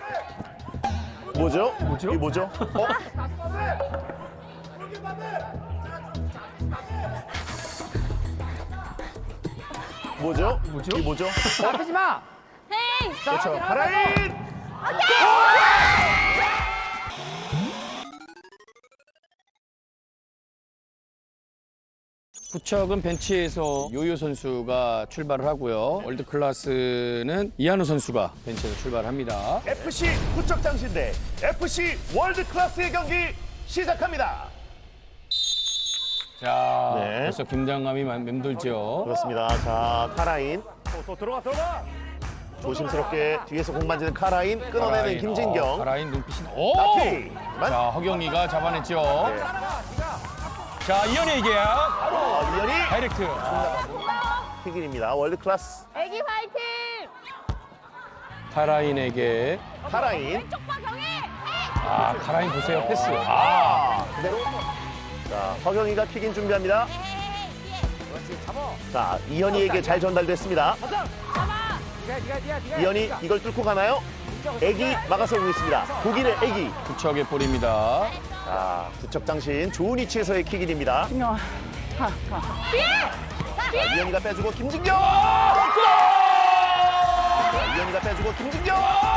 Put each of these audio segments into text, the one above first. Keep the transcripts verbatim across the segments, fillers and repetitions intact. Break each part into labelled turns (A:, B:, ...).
A: 뭐죠?
B: 뭐죠?
A: 이 뭐죠? 어? 뭐죠?
B: 뭐죠?
A: 이 뭐죠? 어?
C: 아프지 마.
D: 헤이!
A: 그렇죠. 가라인!
B: 부척은 벤치에서 요요 선수가 출발을 하고요. 월드 클래스는 이한우 선수가 벤치에서 출발합니다.
A: 에프씨 부척 장신대 에프씨 월드 클래스의 경기 시작합니다.
B: 자,
A: 네.
B: 벌써 긴장감이 맘- 맴돌죠.
A: 그렇습니다. 자, 카라인. 또, 또 들어가, 들어가! 조심스럽게 뒤에서 공 만지는 카라인, 끊어내는
B: 가라인, 어,
A: 김진경.
B: 가라인 눈빛이. 오!
A: 나티! 만.
B: 자, 허경이가 잡아냈죠.
A: 네.
B: 자, 이현이에게
A: 어, 이현이
B: 다이렉트.
A: 킥인입니다. 월드 클래스
D: 애기 화이팅!
B: 카라인에게.
A: 카라인.
D: 왼쪽 봐, 경희!
B: 아, 카라인 보세요. 패스. 아,
A: 아, 그대로. 자, 허경이가 킥인 준비합니다. 자, 이현이에게 잘 전달됐습니다.
D: 잡아!
C: 네가 네가 네가 네가.
A: 이현이 이걸 뚫고 가나요? 애기 막아서고 있습니다. 독일의 애기.
B: 부척의 볼입니다.
A: 자, 부척 장신 좋은 위치에서의 킥인입니다. 자, 이현이가 빼주고 김진경! 골! 자, 이현이가 빼주고 김진경!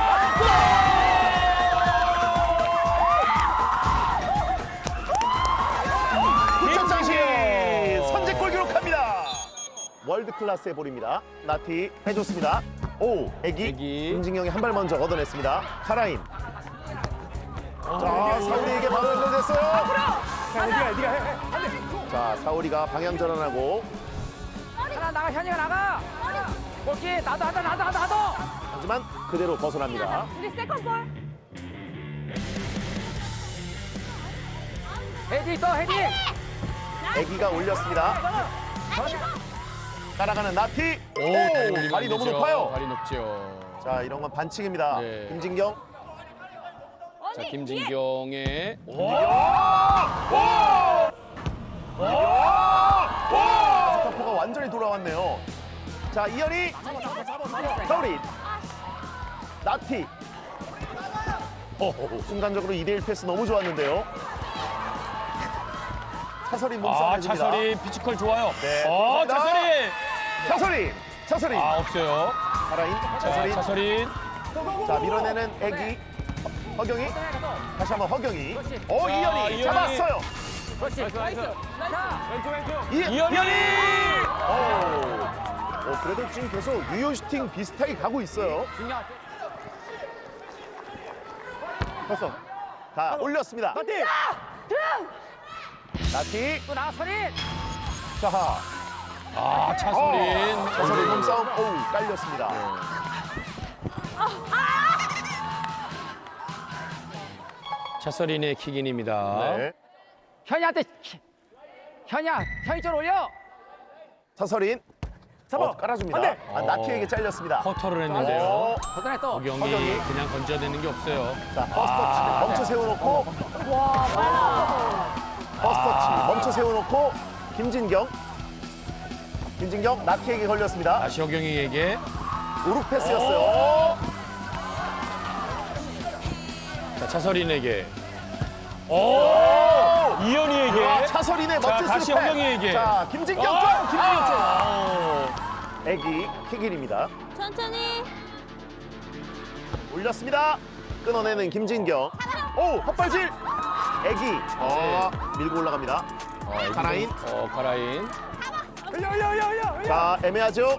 A: 부척 장신 선제골 기록합니다. 월드 클래스의 볼입니다. 나티 해줬습니다. 오, 애기,
B: 애기.
A: 김진경이 한 발 먼저 얻어냈습니다. 카라인. 자, 사우리에게 바로 연결됐어요.
C: 네가 네가 해. 해.
A: 자, 사우리가 방향 전환하고
C: 하나 나가 현이가 나가. 오케이 나도 하다 나도 하다 나도.
A: 하지만 그대로 벗어납니다.
D: 우리 세컨볼!
C: 헤디 있어 헤디.
A: 애기가 올렸습니다. 따라가는 나티.
B: 오,
A: 오,
B: 다리,
A: 발이 너무
B: 높죠.
A: 높아요.
B: 발이 높죠.
A: 자, 이런 건 반칙입니다.
B: 네.
A: 김진경.
B: 자, 김진경의
A: 스타포가 완전히 돌아왔네요. 자, 이현이. 사우리. 나티. 오, 순간적으로 이 대 일 패스 너무 좋았는데요. 차설이 몸싸움
B: 아,
A: 해줍니다.
B: 차설이 피지컬 좋아요.
A: 네,
B: 어,
A: 감사합니다.
B: 차설이.
A: 차설이. 차설이.
B: 아, 없어요.
A: 카라인.
B: 자,
A: 차설이.
B: 차설이.
A: 자, 밀어내는 애기. 허경이. 다시 한번 허경이. 오,
B: 자,
A: 이현이
B: 이현이.
A: 잡았어요.
C: 그렇지 나이스. 자 왼쪽 왼쪽.
A: 이,
B: 이현이.
A: 오. 어, 그래도 지금 계속 유효 슈팅 비슷하게 가고 있어요.
C: 중요한.
A: 됐어. 다 올렸습니다.
C: 나티.
A: 나티.
C: 또 나가 서린.
A: 자,
B: 아, 차설인.
A: 어, 차설이 몸싸움. 오우, 깔렸습니다.
B: 차설인의 킥인입니다.
A: 네.
C: 현이한테. 현이야 현이 쪽 올려.
A: 차설인. 어, 깔아줍니다. 아, 나티에게 잘렸습니다.
B: 커터를 했는데요.
A: 어,
C: 걷어내 또.
B: 허경이
A: 허경이.
B: 그냥 건져야 되는 게 없어요.
A: 자, 퍼스트 터치 멈춰 세워놓고. 퍼스트 터치 멈춰 세워놓고. 김진경. 김진경, 나티에게 걸렸습니다.
B: 다시 허경이에게.
A: 우루 패스였어요.
B: 자, 차설인에게. 오! 이현이에게.
A: 아, 차설인의
B: 자,
A: 멋진
B: 다시
A: 스텝.
B: 허경이에게.
A: 자, 김진경 쪽,
B: 아!
A: 김진경 쪽.
B: 아!
A: 애기 킥일입니다.
D: 천천히!
A: 올렸습니다. 끊어내는 김진경. 오, 헛발질. 애기. 어, 밀고 올라갑니다.
B: 어, 애기도-
A: 가라인.
B: 어, 가라인.
A: 자, 애매하죠.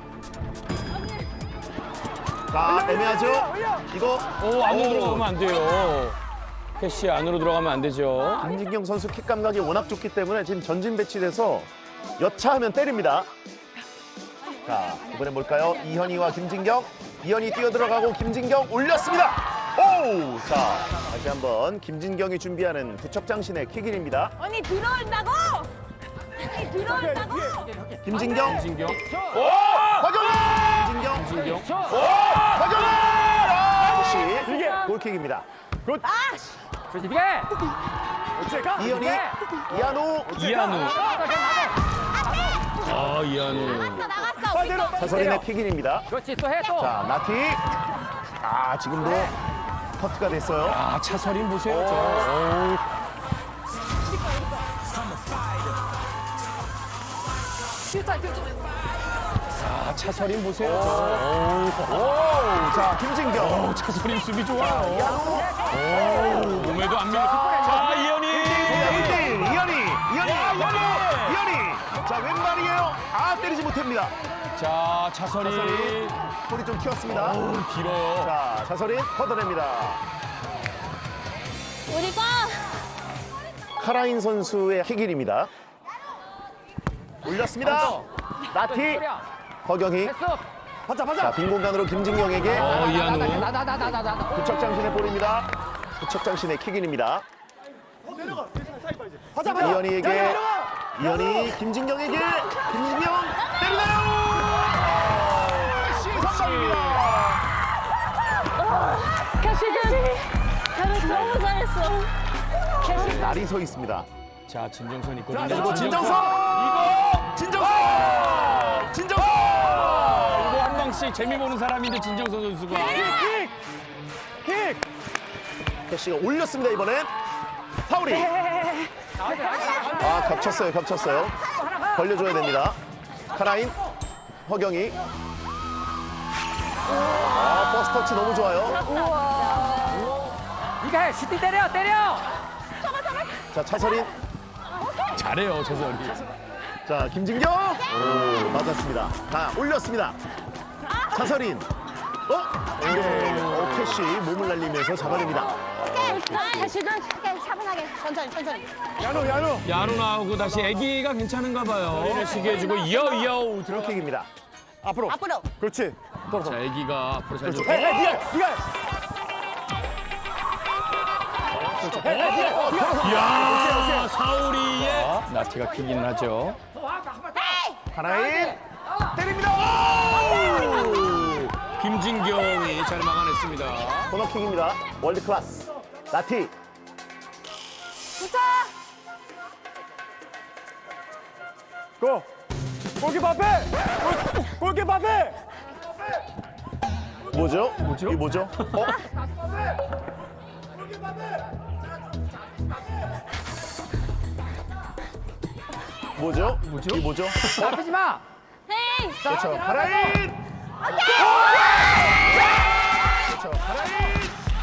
A: 자, 애매하죠. 이거
B: 오, 안으로
A: 오.
B: 들어가면 안 돼요. 캐시 안으로 들어가면 안 되죠.
A: 김진경 선수 킥 감각이 워낙 좋기 때문에 지금 전진 배치돼서 여차하면 때립니다. 자, 이번엔 뭘까요? 이현이와 김진경. 이현이 뛰어 들어가고 김진경 올렸습니다. 오! 자, 다시 한번 김진경이 준비하는 부척장신의 킥일입니다.
D: 언니 들어온다고! 언니 들어온다고!
A: 김진경.
B: 김진경.
A: 허경이! 김진경.
B: 김진경.
A: 허경이! 아, 역시 골킥입니다.
C: 그렇지 비게.
A: 이현이, 이한우,
B: 이한우. 아, 이한우.
D: 나갔어, 우리 거!
A: 차설인의 킥인입니다.
C: 그렇지 또 해 또.
A: 자, 나티. 아, 지금도 커트가 됐어요.
B: 아, 차설인 보세요. 저.
A: 오.
B: 아, 차설인 보세요. 저.
A: 오, 자, 김진경.
B: 오, 차설인 수비 좋아요.
A: 야구.
B: 오, 몸에도 안 밀려. 자, 이현이.
A: 이현이, 이현이, 이현이, 이현이. 자, 왼발이에요. 아, 때리지 못합니다.
B: 자, 차설인.
A: 차설인. 볼이 좀 튀었습니다.
B: 오, 길어요.
A: 자, 차설인 걷어냅니다.
D: 우리가
A: 카라인 선수의 킥일입니다. 올렸습니다. 나티, 허경희.
C: 됐어.
A: 받자, 받자. 자, 빈 공간으로 김진경에게
B: 어, 이한우.
C: 나나나나나나.
A: 부척장신의 볼입니다. 부척장신의 킥인입니다.
E: 하자, 하자.
A: 이현이에게, 이현이 김진경에게, 김진경 때리나요? 시선방입니다.
D: 캐시는 잘했어. 너무 잘했어.
A: 날이 서 있습니다.
B: 자, 진정선 있거든요.
A: 그리고 진정성!
B: 이거!
A: 진정성! 진정성!
B: 이거 한 방씩 재미 보는 사람인데 진정선 선수가.
A: 킥! 킥! 캐시가 올렸습니다, 이번엔. 파울이. 아, 겹쳤어요, 겹쳤어요. 벌려줘야 됩니다. 카라인, 허경이. 아, 버스 터치 너무 좋아요.
C: 이거 해. 슈팅 때려 때려.
A: 자, 차설인.
B: 잘해요, 차설이.
A: 자, 김진경. 오, 맞았습니다. 자, 올렸습니다. 차설인. 어? 네. 어, 캐시 몸을 날리면서 잡아냅니다.
D: 캐시는 차분하게 천천히 천천히.
E: 야노, 야노.
B: 야로 나오고 다시 애기가 괜찮은가 봐요. 이를 시게 해주고 이어 이어 들어.
A: 킥입니다.
E: 앞으로.
D: 앞으로.
E: 그렇지. 돌아,
B: 자,
E: 돌아.
B: 애기가 앞으로 잘 줘.
E: 해, 해, 니가, 니가.
B: 이야, 사우리의 나티가 킥인 하죠.
A: 하나인 때립니다. 오!
B: 김진경이 잘 막아냈습니다.
A: 코너킥입니다. 월드 클래스. 나티.
D: 붙어.
E: 고. 골키퍼 앞에. 골- 골키퍼 앞에.
A: 뭐죠?
B: 뭐죠?
A: 이 뭐죠? 어? 뭐죠?
B: 뭐죠?
A: 이 뭐죠? 어?
C: 아프지 마.
D: 헤이.
A: 그렇죠. 하라인. 그렇죠. 하라인.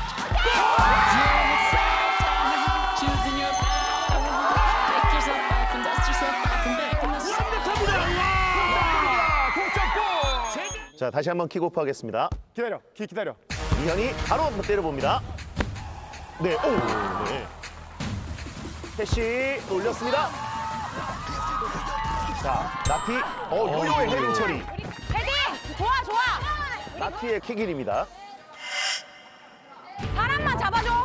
F: Choosing your pick yourself up and dust yourself off and back and that's
A: 자, 다시 한번 킥오프 하겠습니다.
E: 기다려. 기, 기다려.
A: 이현이 바로 한번 때려봅니다. 네, 오, 네. 캐시 올렸습니다. 자, 나티, 어, 요요의 헤딩 처리.
D: 헤딩. 좋아 좋아.
A: 나티의 킥인입니다.
D: 사람만 잡아줘.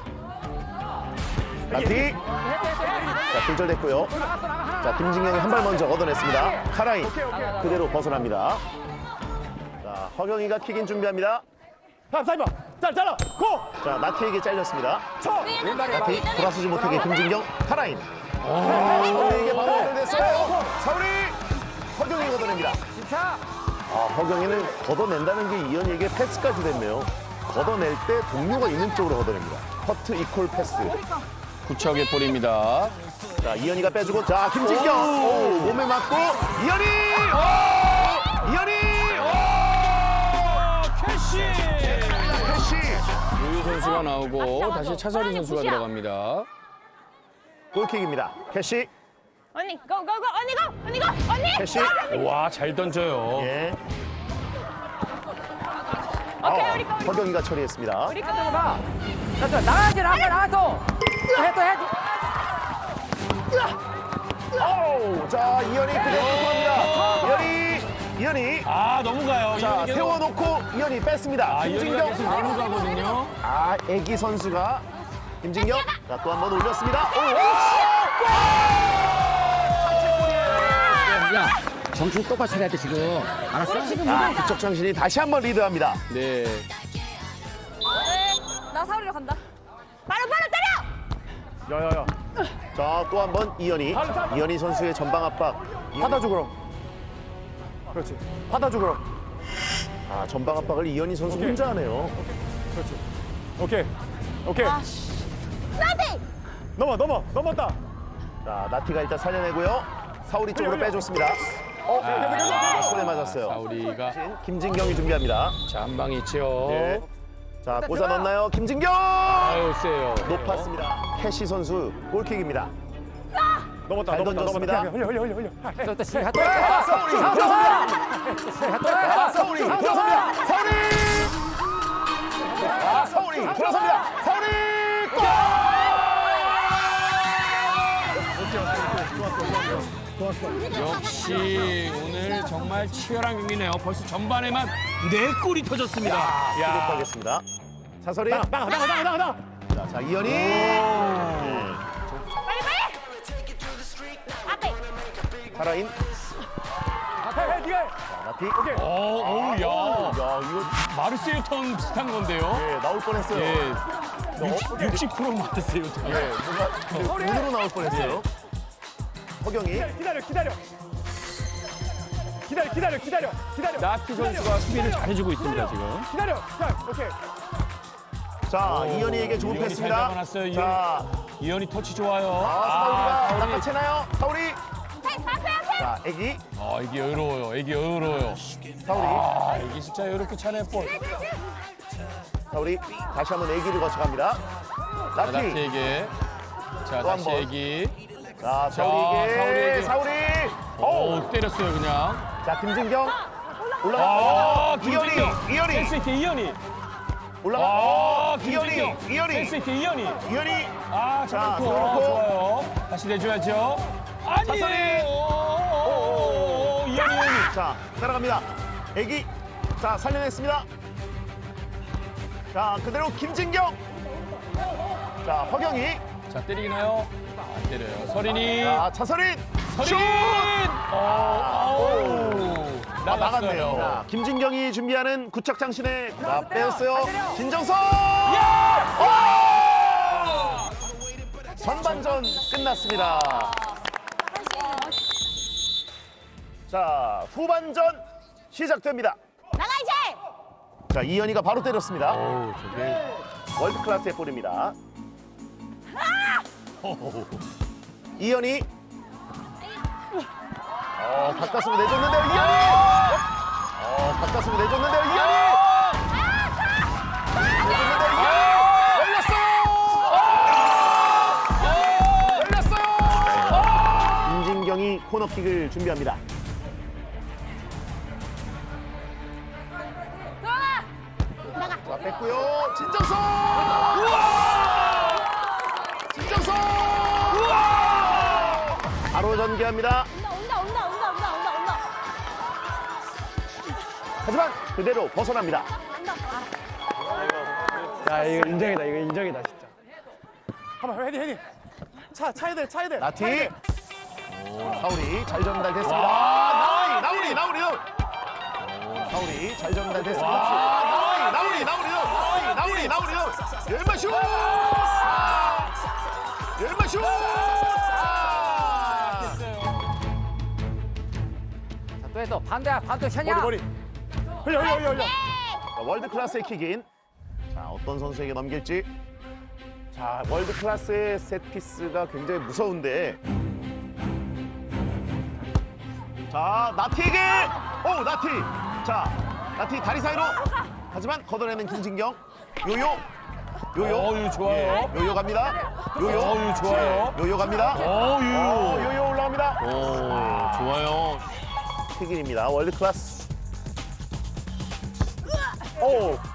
A: 나티. 자, 굴절됐고요. 자, 김진경이 한 발 먼저 걷어냈습니다. 카라인 그대로 벗어납니다. 자, 허경이가 킥인 준비합니다.
E: 자, 사이버. 잘, 잘라. 고.
A: 자, 나티에게 잘렸습니다.
E: 쳐.
A: 나티 돌아서지 못하게 김진경, 카라인. 허경이에게 바로 연결됐어요. 사우리 허경이 걷어냅니다.
C: 진짜.
A: 아, 허경이는 걷어낸다는 게 이현이에게 패스까지 됐네요. 걷어낼 때 동료가 있는 쪽으로 걷어냅니다. 커트 이퀄 패스.
B: 구척의 볼입니다.
A: 자, 이현이가 빼주고, 자, 김진경. 오, 몸에 맞고, 이현이! 오! 이현이! 오!
B: 캐시!
A: 캐시!
B: 유유 선수가 나오고 다시 차설인 선수가 들어갑니다.
A: 골킥입니다. 캐시,
D: 언니 고고고 언니 고 언니 고 언니.
A: 캐시.
B: 와, 잘 던져요.
A: 예.
D: 오케이,
A: 아,
D: 우리 거, 우리 거.
A: 허경이가 처리했습니다.
C: 우리 같은 거 봐. 자, 자, 나가야지 나가 나가서. 해도 해.
A: 오, 자, 이현이 그대로 들어갑니다. 이현이, 이현이.
B: 아, 너무 가요.
A: 자,
B: 이현이가
A: 세워놓고 이현이 뺐습니다.
B: 아, 이현이가 계속
A: 김진경.
B: 너무 가거든요.
A: 아, 애기 선수가 김진경. 자, 또 한 번 올렸습니다. 오!
C: 야, 정신 똑바로 차려야 돼 지금. 알았어? 지금
A: 아, 그쪽 정신이 다시 한 번 리드합니다.
B: 네.
D: 나 사우리로 간다. 바로 바로 때려.
E: 야, 야, 야.
A: 자, 또 한 번 이현이. 이현이 선수의 전방 압박.
E: 받아줘, 그럼. 그렇지. 받아줘, 그럼.
A: 아, 전방 압박을 이현이 선수
E: 오케이.
A: 혼자 하네요.
E: 그렇지. 오케이. 오케이.
D: 나티.
E: 넘어 넘어 넘었다.
A: 자, 나티가 일단 살려내고요. 사우리 쪽으로 빼줬습니다. 어, 아, 손에 맞았어요.
B: 사우리가
A: 김진경이 준비합니다.
B: 자, 한 방이 있죠.
A: 네. 자, 꽂아 넣나요? 김진경!
B: 아유, 세요.
A: 높았습니다. 캐시 선수 골킥입니다.
E: 넘었다
A: 잘
E: 넘었다
A: 던졌습니다.
E: 넘었다. 흘려 흘려 흘려 흘려.
C: 또 시간 또.
A: 자, 사우리 들어섭니다. 자, 사우리 들어섭니다. 사우리! 자, 사우리 들어섭니다. 사우리! 골!
B: 역시 오늘 정말 치열한 경기네요. 벌써 전반에만 네 골이 터졌습니다. 야,
A: 기록하겠습니다. 차설이.
E: 나가 나가 나가 나가 나가 나가.
A: 자, 자, 이현이. 네.
D: 빨리 빨리. 앞에.
A: 파라인.
E: 해, 해, 네가 해.
A: 자, 나티.
E: 오케이.
B: 어, 어우, 야.
A: 야, 이거
B: 마르세유 턴 비슷한 건데요.
A: 예, 나올 뻔했어요.
B: 예.
A: 너 엎드려-
B: 육십 퍼센트 마르세유 턴.
A: 예, 뭔가 근데 눈으로 나올 뻔했어요. 허경이.
E: 기다려 기다려. 기다려 기다려 기다려 기다려.
B: 나티 선수가 수비를 잘해주고 있습니다, 지금.
E: 기다려. 자 오케이.
A: 자, 이현이에게 좋은
B: 이현이 잘
A: 패스입니다.
B: 잡아놨어요, 이현이.
A: 자,
B: 이현이 터치 좋아요.
A: 아, 사우리가
B: 사우리.
A: 낚아채나요? 사우리.
D: 앞에 앞에 앞에.
A: 자, 애기.
B: 아, 이게 여유로워요. 이게 여유로워요.
A: 사우리.
B: 아, 이게 진짜 이렇게 차네 볼.
A: 사우리. 다시 한번 애기를 거쳐갑니다.
B: 자,
A: 나티.
B: 나티에게. 자,
A: 또한
B: 다시
A: 번.
B: 얘기.
A: 자,
B: 사우리에게.
A: 사우리에게. 사우리. 오.
B: 오, 때렸어요, 그냥.
A: 자, 김진경.
B: 아,
A: 올라가.
B: 김진경.
A: 이현이. 이현이.
B: 센스 있게 이현이.
A: 올라가.
B: 아,
A: 이현이.
B: 김진경.
A: 이현이.
B: 센스 있게 이현이.
A: 이현이.
B: 아,
A: 자,
B: 잡고
A: 들어놓고.
B: 좋아요. 다시 내줘야죠.
A: 차선이.
B: 아니에요. 오, 이현이, 이현이.
A: 자, 따라갑니다. 애기. 자, 살려냈습니다. 자, 그대로 김진경. 자, 허경이.
B: 자, 때리나요? 안 때려요. 서린이.
A: 자, 차서린.
B: 서린.
A: 슛!
B: 어, 오,
A: 아,
B: 나갔어요.
A: 나갔네요. 자, 김진경이 준비하는 구척장신의 자, 빼었어요. 진정선. 오! 전반전 끝났습니다. 자, 후반전 시작됩니다.
D: 나가 이제.
A: 자, 이현이가 바로 때렸습니다.
B: 오, 저게.
A: 월드 클래스의 볼입니다. 이현이. 어, 가까스로 내줬는데요, 이현이. 어, 가까스로 내줬는데요, 이현이. 내줬는데요, 이현이. 열렸어요. 열렸어요. 임진경이 코너킥을 준비합니다.
D: 들어가. 나가.
A: 자, 뺐고요. 진정선. 진정선. 바로 전개합니다.
D: 온다 온다 온다 온다 온다 온다 온다.
A: 하지만 그대로 벗어납니다.
D: 온다.
E: 야 이거 인정이다 이거 인정이다 진짜. 한번 헤디 헤디. 차 차야 돼 차야 돼. 차야
A: 나티.
E: 돼.
A: 사우리 잘 전달됐습니다.
B: 와,
A: 아, 나우리 나우리 나우리. 사우리 잘 전달됐습니다. 아, 나우리 나우리 나우리 나우리 나우리 나우리. 열마 슛. 열마 슛.
C: 또 해 또. 반대야 반대 현이야.
E: 머리 머리. 흘려 흘려 흘려 흘려.
A: 자, 월드 클래스의 킥인. 자, 어떤 선수에게 넘길지. 자, 월드 클래스의 세트피스가 굉장히 무서운데. 자, 나티에게. 오, 나티. 자, 나티 다리 사이로. 하지만 걷어내는 김진경. 요요. 요요.
B: 어, 요요 좋아요.
A: 예, 요요 갑니다. 요요.
B: 어, 요요 좋아요.
A: 요요 갑니다.
B: 오, 유.
A: 어, 요요 올라갑니다.
B: 오, 좋아요.
A: 킥인입니다. 월드 클래스. 오. 오.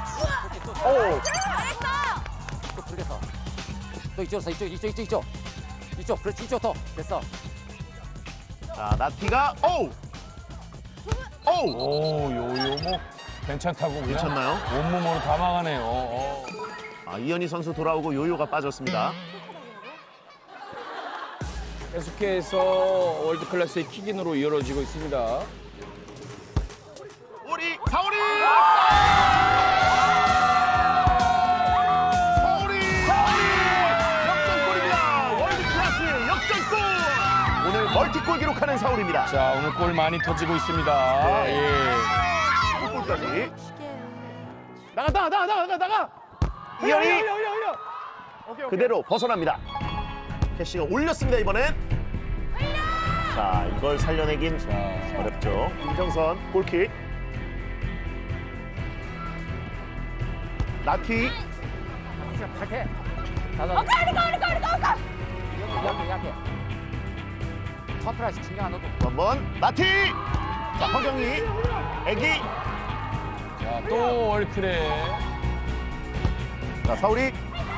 D: 잘했어.
C: 또 돌렸어. 또 이쪽으로 이쪽 이쪽 이쪽 이쪽. 이쪽 그렇지 이쪽 더 됐어.
A: 자, 나티가 오. 오.
B: 오, 요요 뭐 괜찮다고 그냥
A: 괜찮나요?
B: 온몸으로 다 막아내요. 어.
A: 아, 이현희 선수 돌아오고 요요가 빠졌습니다.
B: 계속해서 월드 클래스의 킥인으로 이어지고 있습니다.
A: 우리 사우리! 사우리! 역전골입니다. 월드 클래스의 역전골! 오늘 멀티골 기록하는 사우리입니다.
B: 자, 오늘 골 많이 터지고 있습니다.
A: 네.
B: 예.
A: 골까지.
E: 나가 나가 나가 나가 나가.
A: 이현이
E: 올려 올려 올려. 오케이 오케이.
A: 그대로 벗어납니다. 캐시가 올렸습니다 이번엔. 자 이걸 살려내긴 어렵죠. 김정선 골킥. 나티
C: 탈퇴. 나도
D: 오케이, 우리 거, 우리 거, 우리 거, 우리 거.
C: 약해 약해. 터프라시 신경 안 넣어도.
A: 한번 나티. 자 허경이 애기.
B: 자, 또 월크레.
A: 자 사우리.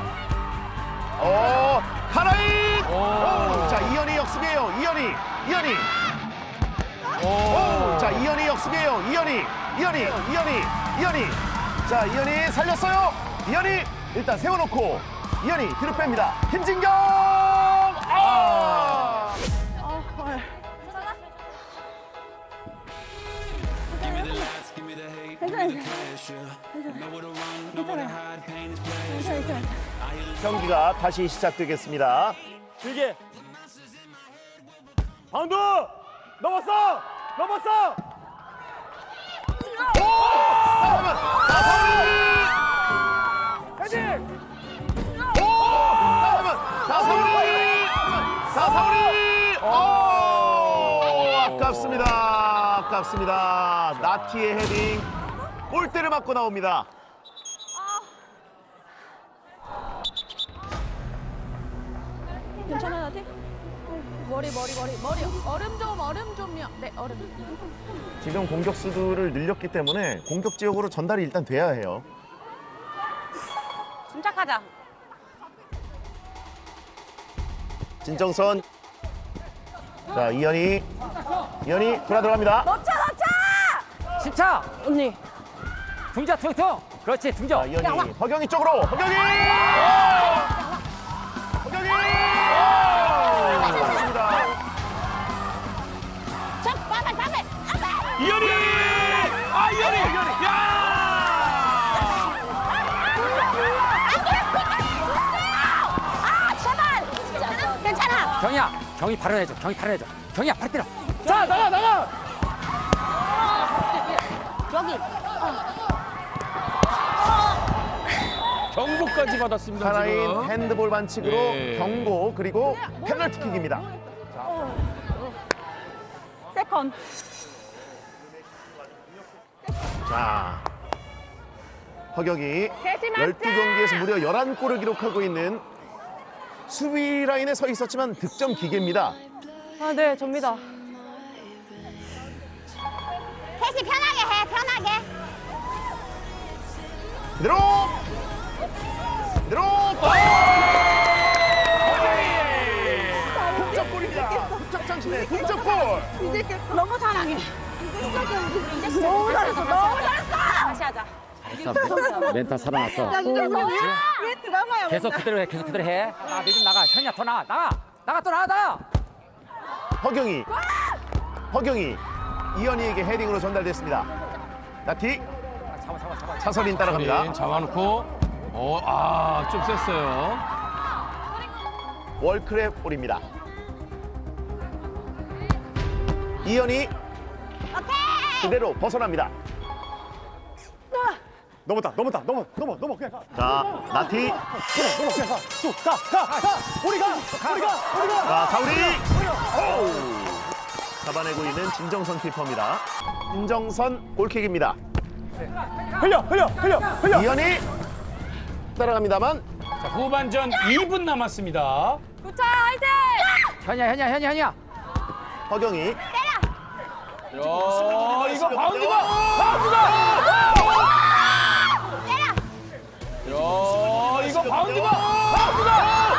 A: 어 카라인.
B: 오.
A: 오, 자 이현이 역습이에요. 이현이 이현이.
B: 오.
A: 오, 자 이현이 역습이에요. 이현이 이현이 이현이 이현이. 자 이현이 살렸어요. 이현이 일단 세워놓고 이현이 뒤로 뺍니다. 김진경. 아. 경기가 다시 시작되겠습니다.
E: 길게. 바운드. 넘었어. 넘었어.
A: 잠깐만. 자, 사우리.
E: 헤딩.
A: 잠깐만. 자, 사우리. 자, 사우리. 오, 아깝습니다. 아깝습니다. 나티의 헤딩. 골대를 맞고 나옵니다.
D: 괜찮아, 나한테? 머리, 머리, 머리, 머리. 얼음 좀, 얼음 좀요. 네, 얼음.
A: 지금 공격수들을 늘렸기 때문에 공격 지역으로 전달이 일단 돼야 해요.
D: 침착하자.
A: 진정선. 자, 이현이. 이현이 돌아 들어갑니다.
D: 넣자, 넣자!
C: 십차.
D: 언니.
C: 등자 퉁퉁. 그렇지
A: 자,
C: 등져.
A: 이현이. 허경이 쪽으로. 허경이. 허경이. 맞습니다.
D: 저, 빠발, 빠발! 빠발!
B: 이현이! 아, 이현이! 야!
D: 아, 제발! 괜찮아.
C: 경이야. 경이 바로 내줘. 경이 바로 내줘. 경이야 팔 때려.
E: 자 나가 나가.
D: 여기.
B: 경고까지 받았습니다,
A: 하나인
B: 지금.
A: 핸드볼 반칙으로
B: 네.
A: 경고 그리고 페널티킥입니다.
D: 세컨.
A: 자, 허경이
D: 대신 맞자!
A: 열두 경기에서 무려 열한 골을 기록하고 있는 수비 라인에 서 있었지만 득점 기계입니다.
G: 아, 네, 접니다.
D: 캐시 편하게 해, 편하게.
A: 그대로 그대로 동점골입니다. 부착장신의 동점골.
D: 너무 사랑해. 너무 잘했어, 너무 잘했어. 다시 하자.
C: 멘탈 살아났어.
G: 왜 드라마야?
C: 계속 그대로 해. 계속 그대로 해. 아, 니좀 나가. 현이야 더 나가. 나가. 나가 또 나가. 나가.
A: 허경이 허경이 이현이에게 헤딩으로 전달됐습니다. 나티
C: 잡아 잡아 잡아.
A: 차선인 따라갑니다.
B: 네, 잡아놓고. 어, 아, 좀 셌어요.
A: 월크랩 볼입니다. 이현이
D: 오케이.
A: 그대로 벗어납니다.
E: 넘었다 넘었다 넘어 넘어 넘어 그냥 가.
A: 자, 나티.
E: 그래 넘어 그냥 가. 쭉가가 가. 우리 가. 우리 가. 우리 가.
A: 자, 사우리. 오! 잡아내고 있는 진정선 키퍼입니다. 진정선 골킥입니다.
E: 흘려 흘려 흘려 흘려.
A: 이현이 따라갑니다만
B: 자, 후반전 이 분 남았습니다.
D: 구차 화이팅!
C: 현이야 현이야 현이야 현이야.
A: 허경이.
B: 야, 이거 바운드가! 바운드가! 야, 이거 바운드가! 바운드가!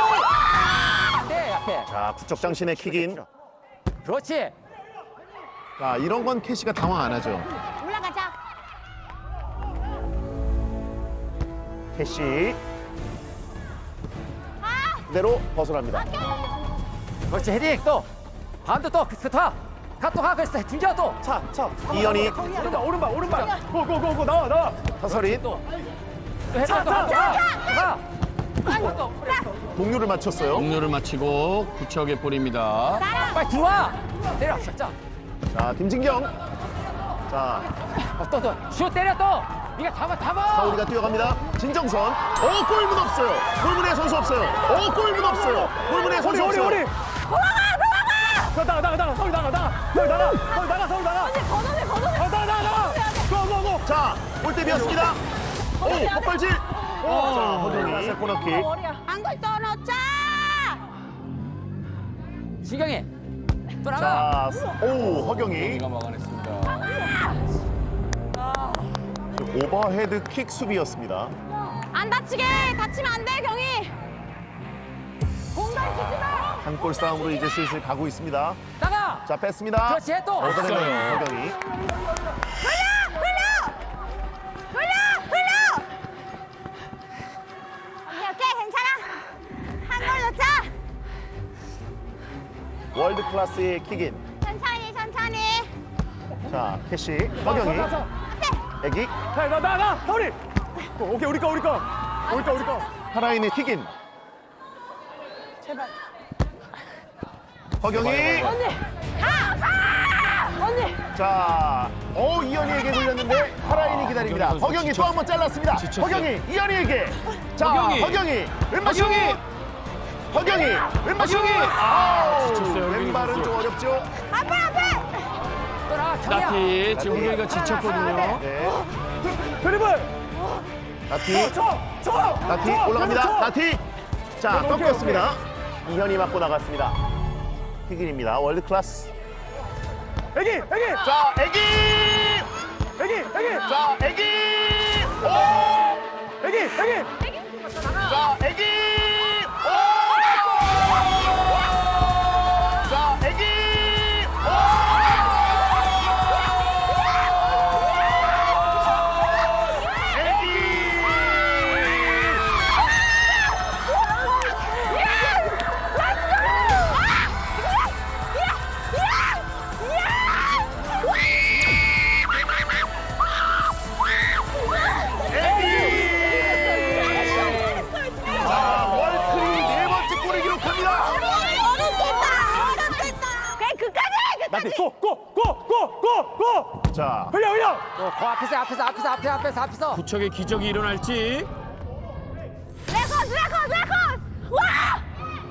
C: 네 앞에.
A: 자, 부척장신의 킥인.
C: 그렇지.
A: 자, 이런 건 캐시가 당황 안 하죠.
D: 올라가자.
A: 캐시
D: 아,
A: 그대로 벗어납니다.
C: 그렇지 헤딩 또. 반도 또 스타. 가또 가. 그랬어. 등져 또.
E: 차 차.
A: 이현이
E: 오른발 오른발 오른발. 고고고고 나와 나와.
A: 사설인
C: 또 헤딩 또 가. 또 가. 가.
A: 동료를 맞췄어요.
B: 동료를 마치고 구척의 볼입니다.
C: 빨리 들어와. 때려. 시작.
A: 자, 김진경. 자,
C: 어, 또 또. 슛 때려 또. 네가 잡아 잡아.
A: 사우리가 뛰어갑니다. 진정선. 어, 골문 없어요. 골문에 선수 없어요. 어, 골문 없어요. 골문에 선수
E: 우리 우리
A: 없어요.
E: 우리. 저 나가 나가 나가 서울 나가 나가 서울 나가 서울 나가 서울 나가.
D: 언니 걷어내 걷어내.
E: 어, 나가 나가 나가. 고고고.
A: 자, 골대비었습니다. 오, 헛발질. 자, 허경이 코너킥.
D: 머리야. 한골 떨어져.
C: 신경이. 또 나가.
A: 자, 오, 허경이.
B: 경기가 막아냈습니다.
A: 오버헤드 킥 수비였습니다.
D: 안 다치게. 다치면 안 돼 경희. 공간 주지 마.
A: 한 골 싸움으로 이제 슬슬 가고 있습니다.
C: 나가.
A: 자, 뺐습니다.
C: 그렇지 또.
A: 얻어내는
B: 없어요.
A: 허경이.
D: 흘려 흘려. 흘려 흘려. 오케이 오케이 괜찮아. 한 골 넣자.
A: 월드 클래스의 킥인.
D: 천천히 천천히.
A: 자, 캐시. 허경이. 애기.
E: 나나 나 서울이. 오케이 우리 거 우리 거. 우리 거 우리 거.
A: 하라인의 킥인.
D: 제발.
A: 허경이.
D: 언니. 가 가. 언니.
A: 자, 어 이현이에게 돌렸는데 하라인이 기다립니다.
B: 허경이 선수
A: 허경이 또
B: 지쳤-
A: 한 번 잘랐습니다.
B: 지쳤어요.
A: 허경이 이현이에게. 자,
B: 허경이.
A: 허경이. 왼발 슛.
B: 허경이.
A: 허경이. 왼발 슛.
B: 허경이.
A: 아우,
B: 지쳤어요, 허경이
A: 왼발은
B: 선수.
A: 좀 어렵죠.
D: 앞에 앞에.
C: 또 나가. 경이야.
B: 나티 지금 허경이가 지쳤거든요.
A: 네.
E: 드리블.
A: 나티.
E: 쳐 쳐.
A: 나티
E: 쳐,
A: 올라갑니다.
E: 쳐.
A: 나티. 자,
E: 오케이,
A: 꺾였습니다. 이현이 맞고 나갔습니다. 킥인입니다. 월드 클래스.
E: 애기 애기
A: 자, 애기.
E: 애기 애기
A: 자, 애기. 오.
E: 애기 애기.
A: 자, 애기! 오! 자, 애기! 오! 애기! 자, 월클이 네 번째 골을 기록합니다.
D: 그래 그까지
E: 나티 고고고고고고.
A: 자,
E: 흘려 흘려.
C: 또 그 앞에서 앞에서 앞에서 앞에서 앞에서 앞에서.
B: 구척의 기적이 일어날지.
D: 레코스 레코스 레코스 와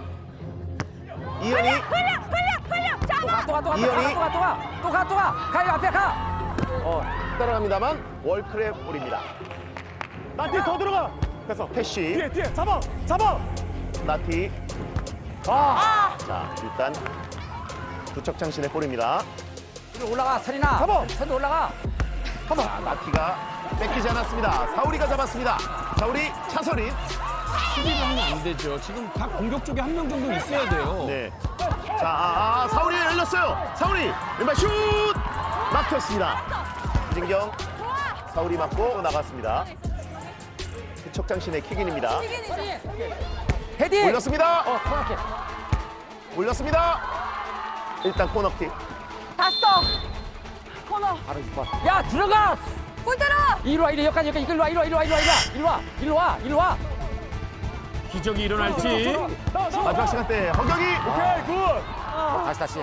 A: 이현이
D: 흘려 흘려 흘려 잡아
A: 이현이.
C: 또가또가또가또가또가또가 가요 앞에 가.
A: 어, 따라갑니다만 월클의 볼입니다.
E: 나티 더 들어가. 됐어.
A: 패시,
E: 뒤에 뒤에 잡아 잡아.
A: 나티.
E: 아.
A: 자, 일단 두척장신의 볼입니다.
C: 위로 올라가 서리나.
E: 잡아.
C: 선도 올라가.
A: 자, 나티가 뺏기지 않았습니다. 사우리가 잡았습니다. 사우리, 차서린.
B: 수비를 하면 안 되죠. 지금 각 공격 쪽에 한 명 정도 있어야 돼요.
A: 네. 자, 아, 아, 사우리 열렸어요. 사우리, 왼발 슛! 막혔습니다. 김진경, 사우리 맞고 나갔습니다. 두척장신의 킥인입니다.
C: 헤딩.
A: 올렸습니다.
C: 어 코너킥.
A: 올렸습니다. 일단 코너킥.
D: 봤어 코너
C: 바로 육 번. 야 들어가.
D: 골대로
C: 이리 와 이리 여기까지 여기까지 이리 와 이리 와 이리 와 이리 와 이리 와 이리 와 이리 와.
B: 기적이 일어날지.
A: 마지막 시간 때 허경이.
E: 오케이 굿.
C: 다시 다시.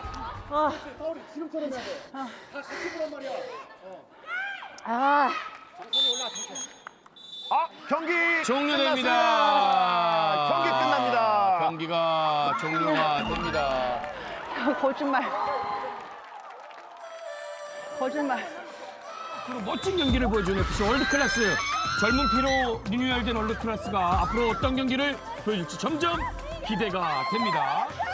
D: 아
A: 아, 경기
B: 종료됩니다.
A: 끝났습니다. 경기 끝납니다.
B: 경기가 종료가 됩니다.
D: 거짓말 거짓말
B: 앞으로 멋진 경기를 보여주는 에프씨 월드 클래스. 젊은 피로 리뉴얼된 월드 클래스가 앞으로 어떤 경기를 보여줄지 점점 기대가 됩니다.